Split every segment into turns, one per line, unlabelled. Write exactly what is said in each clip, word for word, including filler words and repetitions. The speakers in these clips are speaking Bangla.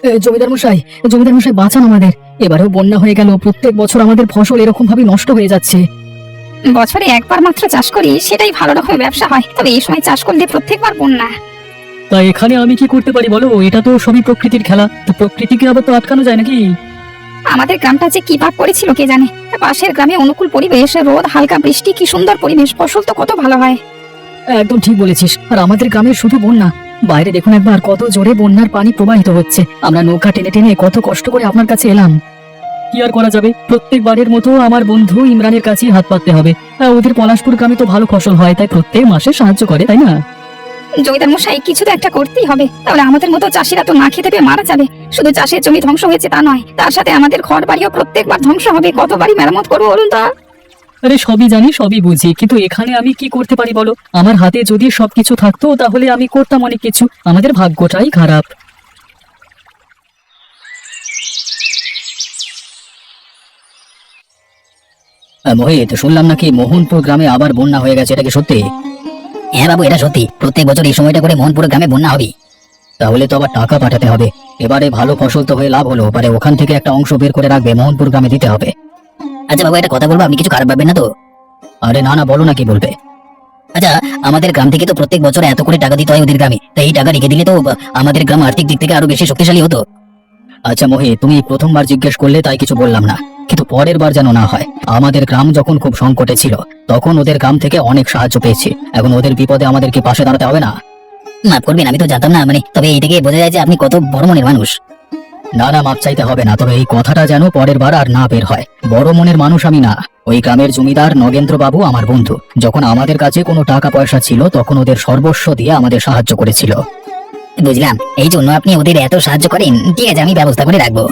এ, জমিদার মশাই, জমিদার মশাই বাঁচান আমাদের। এবারেও বন্যা হয়ে গেল, প্রত্যেক বছর আমাদের ফসল এরকম ভাবে নষ্ট হয়ে যাচ্ছে।
বছরে একবার মাত্র চাষ করি, সেটাই ভালো রকমের ব্যবসা হয়, তবে এই সময় চাষ করলে প্রত্যেকবার বন্যা।
তাই এখানে আমি কি করতে পারি বলো? এটা তো সবই প্রকৃতির খেলা, তো প্রকৃতিকে আবার তো আটকানো যায় নাকি?
আমাদের গ্রামটা যে কি ভাগ করেছিল কে জানে। পাশের গ্রামে অনুকূল পরিবেশ, রোদ, হালকা বৃষ্টি, কি সুন্দর পরিবেশ, ফসল তো কত ভালো হয়।
একদম ঠিক বলেছিস। আর আমাদের গ্রামে শুধু বন্যা, বাইরে দেখুন একবার কত জোরে বন্যার পানি প্রবাহিত হচ্ছে। আমরা নৌকা টেনে টেনে কত কষ্ট করে আপনার কাছে এলাম। কি আর করা যাবে, প্রত্যেকবারের মতো আমার বন্ধু ইমরানের কাছেই হাত পাততে হবে। আহ, ওদের পলাশপুর গ্রামে তো ভালো ফসল হয়, তাই প্রত্যেক মাসে সাহায্য করে, তাই না?
জমিদার মশাই, কিছু তো একটা করতেই হবে, তাহলে আমাদের মতো চাষিরা তো না খেতে পেয়ে মারা যাবে। শুধু চাষের জমি ধ্বংস হয়েছে তা নয়, তার সাথে আমাদের ঘর বাড়িও প্রত্যেকবার ধ্বংস হবে। কতবারই মেরামত করবো বলুন তো?
আরে সবই জানি, সবই বুঝি, কিন্তু এখানে আমি কি করতে পারি বলো? আমার হাতে যদি সবকিছু থাকতো তাহলে আমি করতাম অনেক কিছু। আমাদের ভাগ্যটাই খারাপ। মোহিত, শুনলাম নাকি মোহনপুর গ্রামে আবার বন্যা হয়ে গেছে, এটা কি সত্যি?
হ্যাঁ বাবু, এটা সত্যি। প্রত্যেক বছর এই সময়টা করে মোহনপুর গ্রামে বন্যা হবে।
তাহলে তো আবার টাকা পাঠাতে হবে। এবারে ভালো ফসল তো হয়ে লাভ হলো, পারে ওখান থেকে একটা অংশ বের করে রাখবে, মোহনপুর গ্রামে দিতে হবে।
আচ্ছা বাবু, একটা কথা বলবো, আপনি কিছু খারাপ ভাববেন না তো?
আরে না না, বলো না, কি বলবে?
আচ্ছা, আমাদের গ্রাম থেকে তো প্রত্যেক বছর এত করে টাকা দিতে হয় ওদের গ্রামে, তাই এই টাকা রেখে দিলে তো আমাদের গ্রাম আর্থিক দিক থেকে আরো বেশি শক্তিশালী হতো।
আচ্ছা মোহিত, তুমি প্রথমবার জিজ্ঞেস করলে তাই কিছু বললাম না, কিন্তু পরের বার যেন না হয়। আমাদের গ্রাম যখন খুব সংকটে ছিল তখন ওদের গ্রাম থেকে অনেক সাহায্য পেয়েছি, এখন ওদের বিপদে আমাদেরকে পাশে দাঁড়াতে হবে না?
মাফ করবেন, আমি তো জানতাম না, মানে তবে এই থেকে বোঝা যায় যে আপনি কত বড় মনের মানুষ।
না না, মাপ চাইতে হবে না, তবে এই কথাটা যেন পরের বার আর না বের হয়। বড় মনের মানুষ আমি না। ওই গ্রামের জমিদার নগেন্দ্র বাবু আমার বন্ধু। যখন আমাদের কাছে কোনো টাকা পয়সা ছিল তখন ওদের সর্বস্ব দিয়ে আমাদের সাহায্য করেছিল।
বুঝলাম, এই জন্য আপনি ওদের এত সাহায্য করেন। ঠিক আছে, আমি ব্যবস্থা করে রাখবো।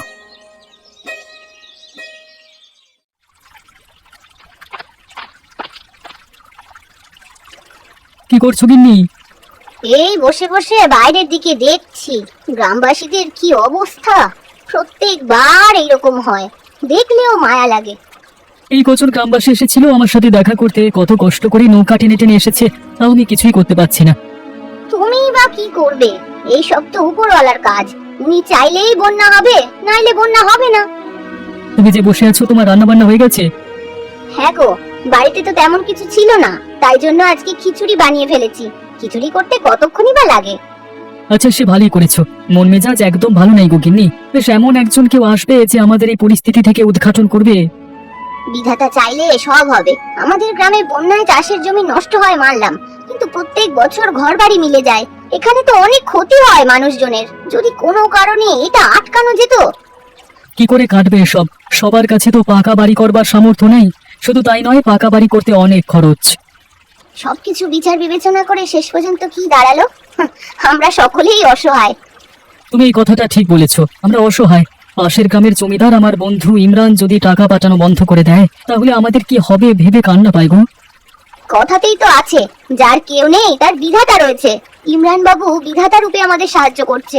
কি করছো গিন্নি?
এই বসে বসে বাইরের দিকে দেখছি গ্রামবাসীদের কি অবস্থা। প্রত্যেকবার এইরকম হয়, দেখলেও মায়া লাগে।
এই কজন গ্রামবাসী এসেছিল আমার সাথে দেখা করতে, কত কষ্ট করে নৌকা টেনে টেনে এসেছে, তাও আমি কিছুই করতে পারছি না।
তুমি বা কি করবে? এই সব তো উপরওয়ালার কাজ। উনি চাইলেই বন্যা হবে, নাইলে বন্যা হবে না।
তুমি যে বসে আছো, তোমার রান্না বান্না হয়ে গেছে?
হ্যাঁ গো, বাড়িতে তো তেমন কিছু ছিল না, তাই জন্য আজকে খিচুড়ি বানিয়ে ফেলেছি। খিচুড়ি করতে কতক্ষণই বা লাগে।
আচ্ছা, সে ভালোই করেছো। মন মেজাজ একদম ভালো নাই গো গিন্নি। বেশ এমন একজন কেউ আসবে যে আমাদের এই পরিস্থিতি থেকে উদ্ঘাটন করবে।
বিধাতা চাইলে সব হবে। আমাদের গ্রামে বন্যায় চাষের জমি নষ্ট হয় মানলাম, কিন্তু প্রত্যেক বছর ঘর বাড়ি মিলে যায়। এখানে তো অনেক ক্ষতি হয় মানুষজনের। যদি কোনো কারণে এটা আটকানো যেত।
কি করে কাটবে এসব? সবার কাছে তো পাকা বাড়ি করবার সামর্থ্য নেই। শুধু তাই নয়, পাকা বাড়ি করতে অনেক খরচ।
সবকিছু বিচার বিবেচনা করে শেষ পর্যন্ত কি দাঁড়ালো? হাহ, আমরা সকলেই অসহায়।
তুমি এই কথাটা ঠিক বলেছো, আমরা অসহায়। পাশের গ্রামের জমিদার আমার বন্ধু ইমরান যদি টাকা পাঠানো বন্ধ করে দেয় তাহলে আমাদের কি হবে ভেবে কান্না পাই গো।
কথাতেই তো আছে, যার কেউ নেই তার বিধাতা রয়েছে। ইমরান বাবু বিধাতা রূপে আমাদের সাহায্য করছে।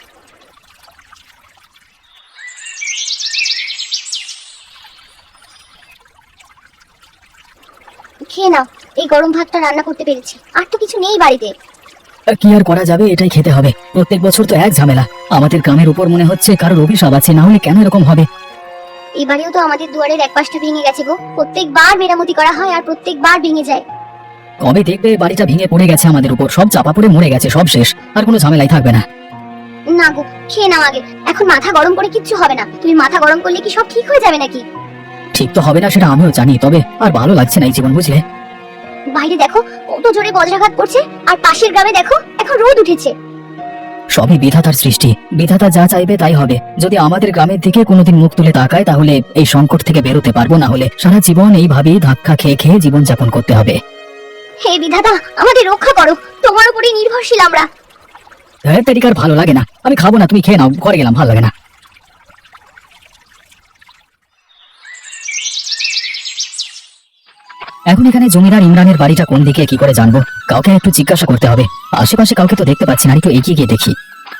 খেয়ে নাও, এই গরম ভাতটা রান্না করতে পেরেছি। আর তো কিছু নেই বাড়িতে।
কি আর করা যাবে, এটাই খেতে হবে। প্রত্যেক বছর তো এক ঝামেলা। আমাদের গ্রামের উপর মনে হচ্ছে কারোর অভিশাপ আছে, না হলে কেন এরকম হবে?
এবারেও তো আমাদের দুয়ারের এক পাশটা ভেঙে গেছে গো। প্রত্যেকবার মেরামতি করা হয় আর প্রত্যেকবার ভেঙে যায়।
কবে দেখবে বাড়িটা ভেঙে পড়ে গেছে আমাদের উপর, সব চাপা পড়ে মরে গেছে, সব শেষ, আর কোনো ঝামেলাই থাকবে না।
না গো, খেয়ে নাও আগে। এখন মাথা গরম করে কিচ্ছু হবে না। তুমি মাথা গরম করলে কি সব ঠিক হয়ে যাবে নাকি?
ঠিক তো হবে না সেটা আমিও জানি, তবে আর ভালো লাগছে না এই জীবন, বুঝলে?
বাইরে দেখো কত জোরে বজ্রাঘাত করছে, আর পাশের গ্রামে দেখো এখন রোদ উঠেছে।
সবই বিধাতার সৃষ্টি। বিধাতা যা চাইবে তাই হবে। যদি আমাদের গ্রামের দিকে কোনোদিন মুখ তুলে তাকায় তাহলে এই সংকট থেকে বেরোতে পারবো, না হলে সারা জীবন এইভাবেই ধাক্কা খেয়ে খেয়ে জীবন যাপন করতে হবে।
হে বিধাতা, আমাদের রক্ষা করো। তোমার উপরেই নির্ভরশীল আমরা।
হ্যাঁ, তেরিকার ভালো লাগে না, আমি খাবো না, তুমি খেয়ে নাও, ঘরে গেলাম, ভালো লাগে না। এখন এখানে জমিদার ইমরানের বাড়িটা কোন দিকে কি করে জানবো? কাউকে একটু জিজ্ঞাসা করতে হবে। আশেপাশে কাউকে তো দেখতে পাচ্ছি না, একটু এগিয়ে গিয়ে দেখি।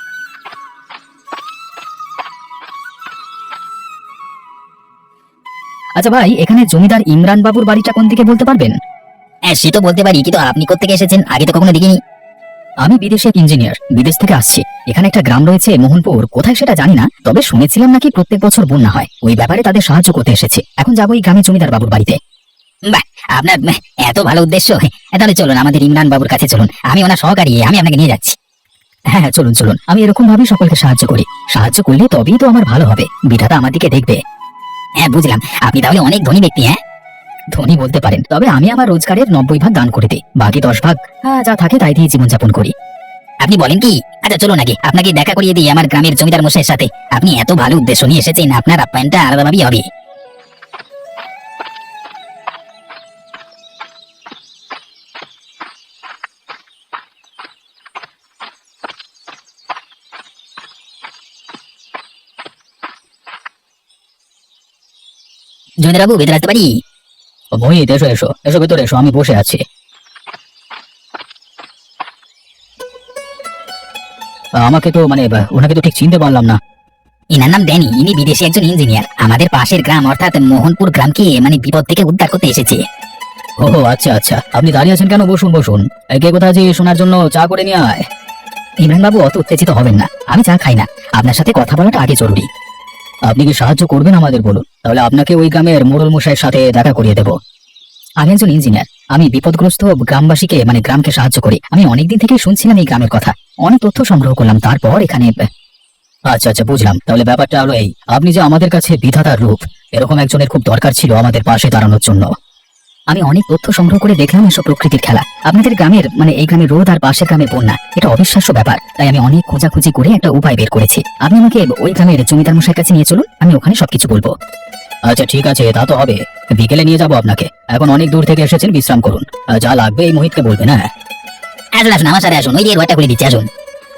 আচ্ছা ভাই, এখানে জমিদার ইমরান বাবুর বাড়িটা কোন দিকে বলতে পারবেন?
হ্যাঁ, সে তো বলতে পারি, কিন্তু আপনি কোত্থেকে এসেছেন? আগে তো কখনো দেখিনি। আমি বিদেশে এক ইঞ্জিনিয়ার, বিদেশ থেকে আসছি। এখানে একটা গ্রাম রয়েছে মোহনপুর, কোথায় সেটা জানি না, তবে শুনেছিলাম নাকি প্রত্যেক বছর বন্যা হয়। ওই ব্যাপারে তাদের সাহায্য করতে এসেছে। এখন যাবো ওই গ্রামে জমিদার বাবুর বাড়িতে। বাহ, আপনার বাহ, এত ভালো উদ্দেশ্য। তাহলে চলুন আমাদের ইমরান বাবুর কাছে চলুন, আমি ওনার সহকারী, আমি আপনাকে নিয়ে যাচ্ছি। হ্যাঁ হ্যাঁ, চলুন চলুন, আমি এরকম ভাবেই সকলকে সাহায্য করি। সাহায্য করলে তবেই তো আমার ভালো হবে, বিধাতা আমার দিকে দেখবে। হ্যাঁ বুঝলাম, আপনি তাহলে অনেক ধনী ব্যক্তি। হ্যাঁ, ধনী বলতে পারেন, তবে আমি আমার রোজগারের নব্বই ভাগ দান করে দিই, বাকি দশ ভাগ হ্যাঁ, যা থাকে তাই দিয়ে জীবনযাপন করি। আপনি বলেন কি? আচ্ছা চলুন নাকি আপনাকে দেখা করিয়ে দিই আমার গ্রামের জমিদার মশাইয়ের সাথে। আপনি এত ভালো উদ্দেশ্য নিয়ে এসেছেন, আপনার আপ্যায়নটা আলাদাভাবেই হবে। জমিদার বাবু, ভেতরে আসতে পারি?
মোহিত, এসো এসো এসো, ভেতরে এসো, আমি বসে আছি। আমাকে তো মানে বা, ওনাকে তো ঠিক চিনতে পারলাম না।
ইনার নাম ড্যানি, ইনি বিদেশি একজন ইঞ্জিনিয়ার, আমাদের পাশের গ্রাম অর্থাৎ মোহনপুর গ্রামকে মানে বিপদ থেকে উদ্ধার করতে এসেছে।
ও আচ্ছা আচ্ছা, আপনি দাঁড়িয়ে আছেন কেন? বসুন বসুন। এই কে কোথায় যে শোনার জন্য চা করে নিয়ে আয়।
ইমরান বাবু, অত উত্তেজিত হবেন না, আমি চা খাই না, আপনার সাথে কথা বলাটা আগে জরুরি।
আপনি কি সাহায্য করবেন আমাদের, বলুন, তাহলে আপনাকে ওই গ্রামের মোড়ল মশাইয়ের সাথে দেখা করিয়ে দেবো।
আমি একজন ইঞ্জিনিয়ার, আমি বিপদগ্রস্ত গ্রামবাসীকে মানে গ্রামকে সাহায্য করি। আমি অনেকদিন থেকেই শুনছিলাম এই গ্রামের কথা, অনেক তথ্য সংগ্রহ করলাম, তারপর এখানে।
আচ্ছা আচ্ছা, বুঝলাম। তাহলে ব্যাপারটা হলো এই, আপনি যে আমাদের কাছে বিধাতার রূপ, এরকম একজনের খুব দরকার ছিল আমাদের পাশে দাঁড়ানোর জন্য।
আমি অনেক তথ্য সংগ্রহ করে দেখলাম এসব প্রকৃতির খেলা। আপনাদের গ্রামের মানে এই গ্রামের রোদ আর পাশের গ্রামের বন্যা, এটা অবিশ্বাস্য ব্যাপার। তাই আমি অনেক খোঁজাখুঁজি করে একটা উপায় বের করেছি। আপনি আমাকে ওই গ্রামের জমিদার মশাইয়ের কাছে নিয়ে চলুন, আমি ওখানে সবকিছু বলবো।
আচ্ছা ঠিক আছে, তা তো হবে, বিকেলে নিয়ে যাবো আপনাকে। এখন অনেক দূর থেকে এসেছেন, বিশ্রাম করুন। আর যা লাগবে এই মোহিতকে বলবেন। হ্যাঁ
আসুন আসুন, আমার সাথে আসুন, ওই দিয়ে রোয়াটা করে দিচ্ছি, আসুন।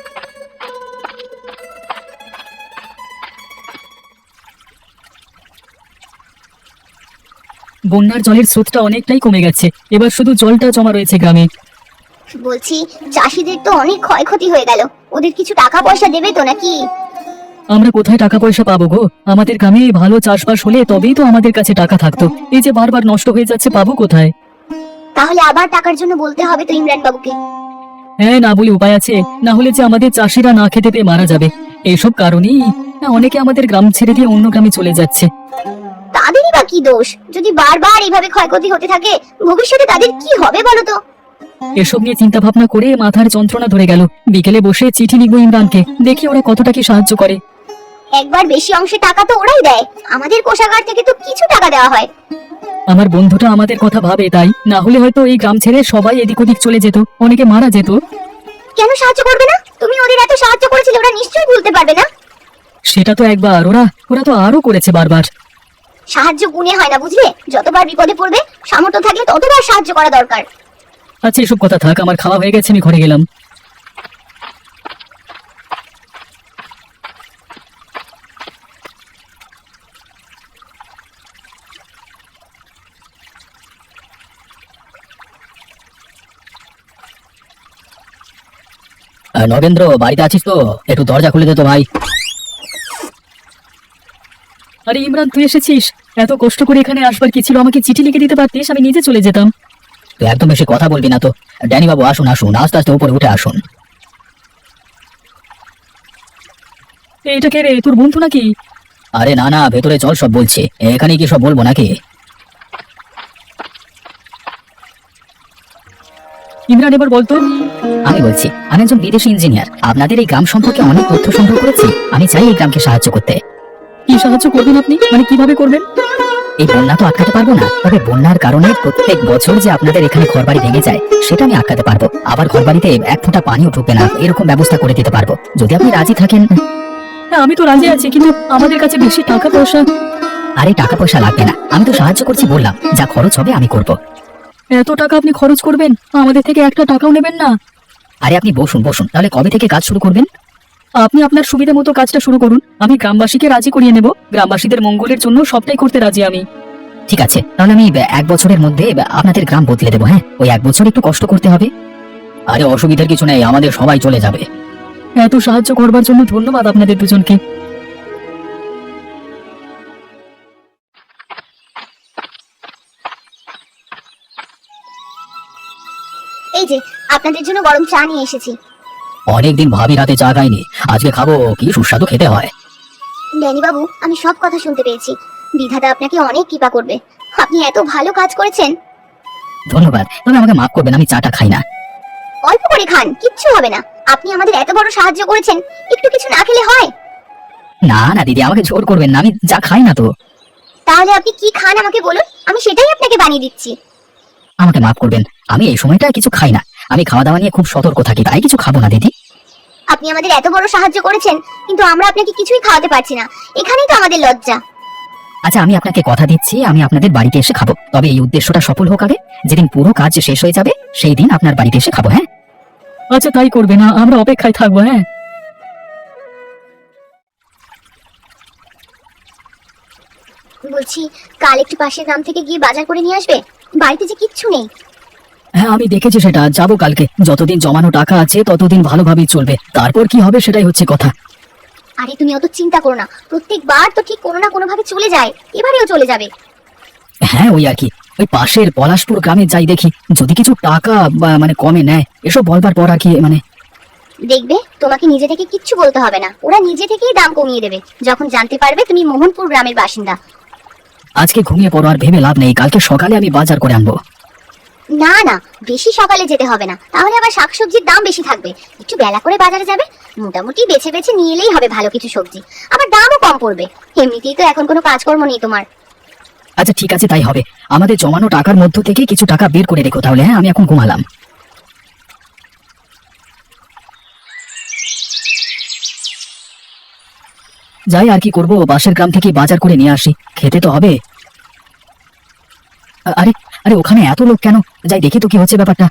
বন্যার জলের স্রোতটা অনেকটাই কমে গেছে, এবার শুধু জলটা জমা রয়েছে গ্রামে।
বলছি, চাষিদের তো অনেক ক্ষয়ক্ষতি হয়ে গেল, ওদের কিছু টাকা পয়সা দেবে তো নাকি?
আমরা কোথায় টাকা পয়সা পাবো গো? আমাদের গ্রামে ভালো চাষবাস হলে তবেই তো আমাদের কাছে টাকা থাকতো, এই যে বারবার নষ্ট হয়ে যাচ্ছে, পাবো কোথায়?
তাহলে আবার টাকার জন্য বলতে হবে তো ইমরান বাবুকে।
হ্যাঁ, না বলে উপায় আছে? না হলে যে আমাদের চাষিরা না খেতে পেয়ে মারা যাবে। এইসব কারণেই অনেকে আমাদের গ্রাম ছেড়ে দিয়ে অন্য গ্রামে চলে যাচ্ছে।
তাদেরই বা কি দোষ? যদি বারবার এইভাবে ক্ষয়ক্ষতি হতে থাকে, ভবিষ্যতে তাদের কি হবে বলো তো?
এসব নিয়ে চিন্তা ভাবনা করে মাথার যন্ত্রণা ধরে গেল। বিকেলে বসে চিঠি লিখবো ইমরানকে, দেখি ওরা কতটা কি সাহায্য করে।
একবার বেশি অংশে টাকা তো ওরাই দেয়, আমাদের কোষাগার থেকে তো কিছু টাকা দেওয়া হয়।
আমার বন্ধুটা আমাদের কথা ভাবে, তাই না হলে হয়তো এই গ্রাম ছেড়ে সবাই এদিক ওদিক চলে যেত, অনেকে মারা যেত।
কেন সাহায্য করবে না? তুমি ওদের এত সাহায্য করেছিলে, ওরা নিশ্চয়ই ভুলতে পারবে না।
সেটা তো একবার, ওরা ওরা তো আরো করেছে বারবার।
সাহায্য গুণে হয় না, বুঝলে? যতবার বিপদে পড়বে, সামর্থ্য থাকলে ততবার সাহায্য করা দরকার।
আচ্ছা এসব কথা থাক, আমার খাওয়া হয়ে গেছে, আমি ঘরে গেলাম। আহ, নগেন্দ্র, বাড়িতে আছিস তো? একটু দরজা খুলে দে তো ভাই। আরে ইমরান, তুই এসেছিস? এত কষ্ট করে এখানে আসবার কি ছিল? আমাকে চিঠি লিখে দিতে পারতিস, আমি নিজে চলে যেতাম। তুই একদম বেশি কথা বলবি না তো। ড্যানি বাবু, আসুন আসুন, আস্তে আস্তে উপরে উঠে আসুন। এইটা কে রে, তোর বন্ধু নাকি? আরে না না, ভেতরে চল, সব বলছে। এখানে কি সব বলবো নাকি? ইমরান, এবার বলতো।
আমি বলছি, আমি একজন বিদেশি ইঞ্জিনিয়ার, আপনাদের এই গ্রাম সম্পর্কে অনেক তথ্য সংগ্রহ করেছি। আমি চাই এই গ্রামকে সাহায্য করতে।
কি সাহায্য করবেন আপনি? মানে কিভাবে করবেন?
এই বন্যা তো আটকাতে পারবো না, তবে বন্যার কারণে প্রত্যেক বছর যে আপনাদের এখানে ঘরবাড়ি ভেঙে যায়, সেটা আমি আটকাতে পারবো। আবার ঘরবাড়িতে এক ফোঁটা পানিও ঢুকবে না, এরকম ব্যবস্থা করে দিতে পারবো, যদি আপনি রাজি থাকেন।
হ্যাঁ, আমি তো রাজি আছি, কিন্তু আমাদের কাছে বেশি টাকা পয়সা।
আরে টাকা পয়সা লাগবে না, আমি তো সাহায্য করছি বললাম, যা খরচ হবে আমি করব।
এত টাকা আপনি খরচ করবেন? আমাদের থেকে একটা টাকাও নেবেন না?
আরে আপনি বসুন বসুন, তাহলে কবে থেকে কাজ শুরু করবেন?
আপনি আপনার সুবিধা মতো কাজটা শুরু করুন, আমি গ্রামবাসীকে রাজি করিয়ে নেব। গ্রামবাসীদের মঙ্গলের জন্য সবটাই করতে রাজি আমি।
ঠিক আছে, তাহলে আমি এক বছরের মধ্যে আপনাদের গ্রাম বদলে দেবো। হ্যাঁ, ওই এক বছর একটু কষ্ট করতে হবে।
আরে অসুবিধার কিছু নেই, আমাদের সবাই চলে যাবে। এত সাহায্য করবার জন্য ধন্যবাদ আপনাদের দুজনকে।
এই যে আপনাদের জন্য গরম চা নিয়ে এসেছি।
অনেকদিন ভাবি রাতে চা খাইনি, আজকে খাবো। কি সুস্বাদু খেতে হয়।
ড্যানি বাবু, আমি সব কথা শুনতে পেয়েছি। বিধাতা আপনাকে অনেক কৃপা করবে। আপনি এত ভালো কাজ করেছেন।
ধন্যবাদ, তবে আমাকে মাফ করবেন, আমি চাটা খাই না।
অল্প করে খান, কিচ্ছু হবে না। আপনি আমাদের এত বড় সাহায্য করেছেন, একটু কিছু না খেলে হয়?
না না দিদি, আমাকে জোর করবেন না, আমি চা খাই না তো।
তাহলে আপনি কি খান আমাকে বলুন, আমি সেটাই আপনাকে বানিয়ে দিচ্ছি।
আমাকে মাফ করবেন, আমি এই সময়টা কিছু খাই না। আমি খাওয়া দাওয়া নিয়ে খুব সতর্ক থাকি, তাই কিছু খাবো না দিদি।
আপনি আমাদের এত বড় সাহায্য করেছেন, কিন্তু আমরা আপনাকে কিছুই খাওয়াতে পারছি না। এখানেই তো আমাদের লজ্জা।
আচ্ছা, আমি আপনাকে কথা দিচ্ছি, আমি আপনাদের বাড়িতে এসে খাবো। তবে এই উদ্দেশ্যটা সফল হোক আগে। যেদিন পুরো কাজ শেষ হয়ে যাবে সেই দিন আপনার বাড়িতে এসে খাবো। হ্যাঁ
আচ্ছা তাই করবে না, আমরা অপেক্ষায় থাকবো। হ্যাঁ
বলছি, কাল একটু পাশের গ্রাম থেকে গিয়ে বাজার করে নিয়ে আসবে। বাড়িতে যে কিচ্ছু নেই।
হ্যাঁ আমি দেখেছি, সেটা যাবো কালকে। যতদিন জমানো টাকা আছে ততদিন ভালোভাবেই চলবে, তারপর কি হবে সেটাই হচ্ছে কথা।
আরে তুমি অত চিন্তা করো না, প্রত্যেকবার তো ঠিক কোনো না কোনো ভাবে চলে যায়, এবারেও চলে যাবে।
হ্যাঁ ওই আর কি, ওই পাশের পলাশপুর গ্রামে যাই দেখি, যদি কিছু টাকা বা মানে কমে নেয়, এসব বলবার পর আর কি মানে।
দেখবে, তোমাকে নিজে থেকে কিচ্ছু বলতে হবে না, ওরা নিজে থেকেই দাম কমিয়ে দেবে যখন জানতে পারবে তুমি মোহনপুর গ্রামের বাসিন্দা।
আজকে ঘুমিয়ে পড়ো, আর ভেবে লাভ নেই, কালকে সকালে আমি বাজার করে আনবো।
না না, বেশি সকালে যেতে হবে না, তাহলে আবার শাকসবজির দাম বেশি থাকবে। একটু বেলা করে বাজারে যাবে, মোটামুটি বেছে বেছে নিয়ে এলেই হবে ভালো কিছু সবজি, আবার দামও কম পড়বে। এমনিতেই তো এখন কোনো কাজকর্ম নেই তোমার।
আচ্ছা ঠিক আছে, তাই হবে। আমাদের জমানো টাকার মধ্য থেকে কিছু টাকা বের করে রেখো তাহলে। হ্যাঁ আমি এখন ঘুমালাম। যাই, আর কি করবো, পাশের গ্রাম থেকে বাজার করে নিয়ে আসি, খেতে তো হবে। আ- আরে আরে ওখানে এত লোক কেন? যাই দেখি তো কি হচ্ছে ব্যাপারটা।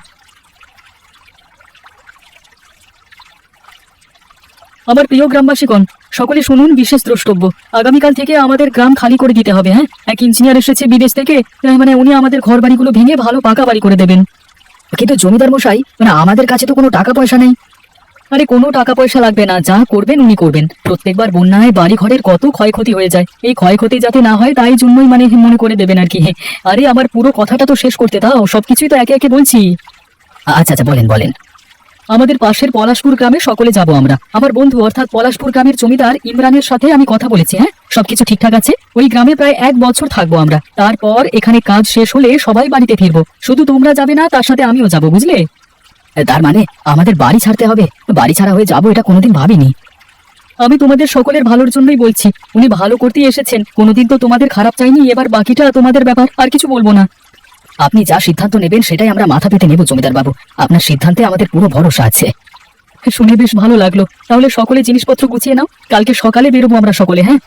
আমার প্রিয় গ্রামবাসীগণ, সকলে শুনুন বিশেষ দ্রষ্টব্য। আগামীকাল থেকে আমাদের গ্রাম খালি করে দিতে হবে। হ্যাঁ, এক ইঞ্জিনিয়ার এসেছে বিদেশ থেকে, আহ, মানে উনি আমাদের ঘর বাড়িগুলো ভেঙে ভালো পাকা বাড়ি করে দেবেন। কিন্তু জমিদার মশাই, মানে আমাদের কাছে তো কোনো টাকা পয়সা নেই। আরে কোনো টাকা পয়সা লাগবে না, যা করবেন উনি করবেন। প্রত্যেকবার বন্যায় বাড়ি ঘরের কত ক্ষয়ক্ষতি হয়ে যায়, এই ক্ষয়ক্ষতি যাতে না হয় তাই জন্যই মানে মনে করে দেবেন আর কি। আরে আমার পুরো কথাটা তো শেষ করতে দাও, সবকিছুই তো একে একে বলছি। আচ্ছা আচ্ছা, বলেন বলেন। আমাদের পাশের পলাশপুর গ্রামে সকলে যাব আমরা। আমার বন্ধু অর্থাৎ পলাশপুর গ্রামের জমিদার ইমরানের সাথে আমি কথা বলেছি। হ্যাঁ, সবকিছু ঠিকঠাক আছে। ওই গ্রামে প্রায় এক বছর থাকবো আমরা, তারপর এখানে কাজ শেষ হলে সবাই বাড়িতে ফিরবো। শুধু তোমরা যাবে না, তার সাথে আমিও যাব, বুঝলে? তার মানে আমাদের বাড়ি ছাড়তে হবে? বাড়ি ছাড়া হয়ে যাবো, এটা কোনোদিন ভাবিনি। আমি তোমাদের সকলের ভালোর জন্যই বলছি, উনি ভালো করতেই এসেছেন, কোনোদিন তো তোমাদের খারাপ চাইনি। এবার বাকিটা তোমাদের ব্যাপার, আর কিছু বলবো না। আপনি যা সিদ্ধান্ত নেবেন সেটাই আমরা মাথা পেতে নেব জমিদার বাবু, আপনার সিদ্ধান্তে আমাদের পুরো ভরসা আছে। শুনে বেশ ভালো লাগলো। তাহলে সকলে জিনিসপত্র গুছিয়ে নাও, কালকে সকালে বেরোবো আমরা সকলে। হ্যাঁ,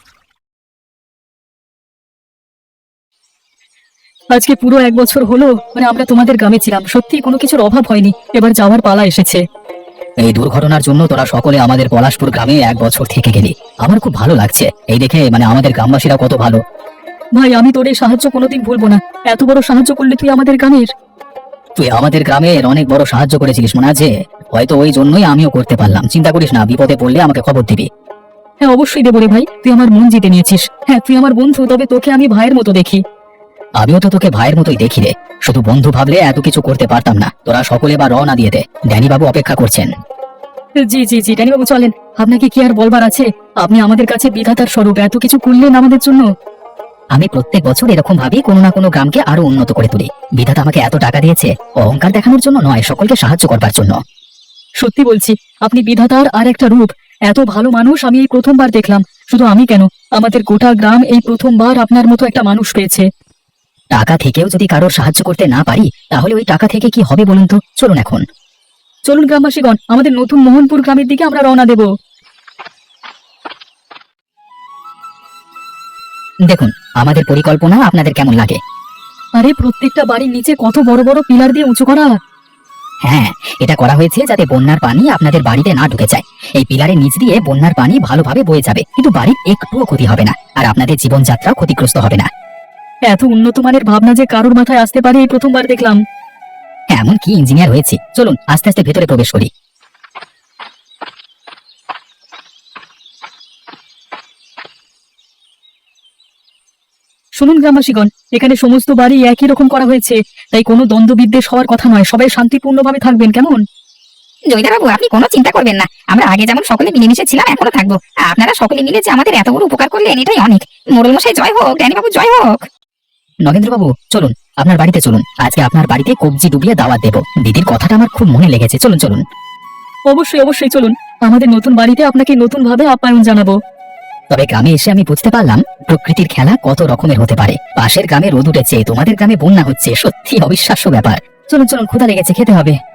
আজকে পুরো এক বছর হলো মানে আমরা তোমাদের গ্রামে ছিলাম, সত্যি কোনো কিছুর অভাব হয়নি। এবার যাওয়ার পালা এসেছে। এই দুর্ঘটনার জন্য তোরা সকলে আমাদের পলাশপুর গ্রামে এক বছর থেকে গেলি, আমার খুব ভালো লাগছে এই দেখে, মানে আমাদের গ্রামবাসীরা কত ভালো। ভাই, আমি তোর এই সাহায্য কোনোদিন ভুলবো না, এত বড় সাহায্য করলে তুই আমাদের গ্রামের। তুই আমাদের গ্রামের অনেক বড় সাহায্য করেছিলিস, মনে আছে? হয়তো ওই জন্যই আমিও করতে পারলাম। চিন্তা করিস না, বিপদে পড়লে আমাকে খবর দিবি। হ্যাঁ অবশ্যই দেবো রে ভাই, তুই আমার মন জিতে নিয়েছিস। হ্যাঁ তুই আমার বন্ধু, তবে তোকে আমি ভাইয়ের মতো দেখি। আমিও তো তোকে ভাইয়ের মতোই দেখি রে, শুধু বন্ধু ভাবলে এত কিছু করতে পারতাম না। তোরা সকলে বা রওনা দিয়ে দে, ড্যানি বাবু অপেক্ষা করছেন। জি জি জি ড্যানি বাবু চলেন, আপনাকে কি আর বলবার আছে? আপনি আমাদের কাছে বিধাতার স্বরূপ, এত কিছু করলেন আমাদের জন্য। আমি প্রত্যেক বছর এরকম ভাবি কোনো না কোনো গ্রামকে আরো উন্নত করে তুলি। বিধাতা আমাকে এত টাকা দিয়েছে অহংকার দেখানোর জন্য নয়, সকলকে সাহায্য করবার জন্য। সত্যি বলছি, আপনি বিধাতার আর একটা রূপ। এত ভালো মানুষ আমি এই প্রথমবার দেখলাম। শুধু আমি কেন, আমাদের গোটা গ্রাম এই প্রথমবার আপনার মতো একটা মানুষ পেয়েছে। টাকা থেকেও যদি কারোর সাহায্য করতে না পারি, তাহলে ওই টাকা থেকে কি হবে বলুন তো? চলুন এখন, চলুন গ্রামবাসীগণ, আমাদের নতুন মোহনপুর গ্রামের দিকে আমরা রওনা দেব। দেখুন আমাদের পরিকল্পনা আপনাদের কেমন লাগে? আরে প্রত্যেকটা বাড়ির নিচে কত বড় বড় পিলার দিয়ে উঁচু করা। হ্যাঁ, এটা করা হয়েছে যাতে বন্যার পানি আপনাদের বাড়িতে না ঢুকে যায়। এই পিলারের নিচ দিয়ে বন্যার পানি ভালোভাবে বয়ে যাবে, কিন্তু বাড়ির একটুও ক্ষতি হবে না, আর আপনাদের জীবনযাত্রা ক্ষতিগ্রস্ত হবে না। এত উন্নত মানের ভাবনা যে কারোর মাথায় আসতে পারে এই প্রথমবার দেখলাম। এমন কি ইঞ্জিনিয়ার হয়েছে। চলুন আস্তে আস্তে ভেতরে প্রবেশ করি। শুনুন গ্রামবাসীগণ, এখানে সমস্ত বাড়ি একই রকম করা হয়েছে, তাই কোনো দ্বন্দ্ব বিদ্বেষ হওয়ার কথা নয়। সবাই শান্তিপূর্ণভাবে থাকবেন, কেমন?
জমিদারবাবু, আপনি কোনো চিন্তা করবেন না। আমরা আগে যেমন সকলে মিলেমিশে ছিলাম, এখনো থাকবো। আপনারা সকলে মিলে যে আমাদের এত বড় উপকার করলেন, এটাই অনেক। মোড়ল মশাই জয় হোক, ড্যানিবাবু জয় হোক।
নগেন্দ্রবাবু চলুন, আপনার বাড়িতে চলুন। আজকে আপনার বাড়িতে কবজি ডুবিয়ে দাওয়াত দেবো। দিদির কথাটা আমার খুব মনে লেগেছে। চলুন চলুন।
অবশ্যই অবশ্যই চলুন, আমাদের নতুন বাড়িতে আপনাকে নতুন ভাবে আপ্যায়ন জানাবো।
তবে গ্রামে এসে আমি বুঝতে পারলাম প্রকৃতির খেলা কত রকমের হতে পারে। পাশের গ্রামে রোদ উঠেছে, তোমাদের গ্রামে বন্যা হচ্ছে, সত্যি অবিশ্বাস্য ব্যাপার। চলুন চলুন, ক্ষুধা লেগেছে, খেতে হবে।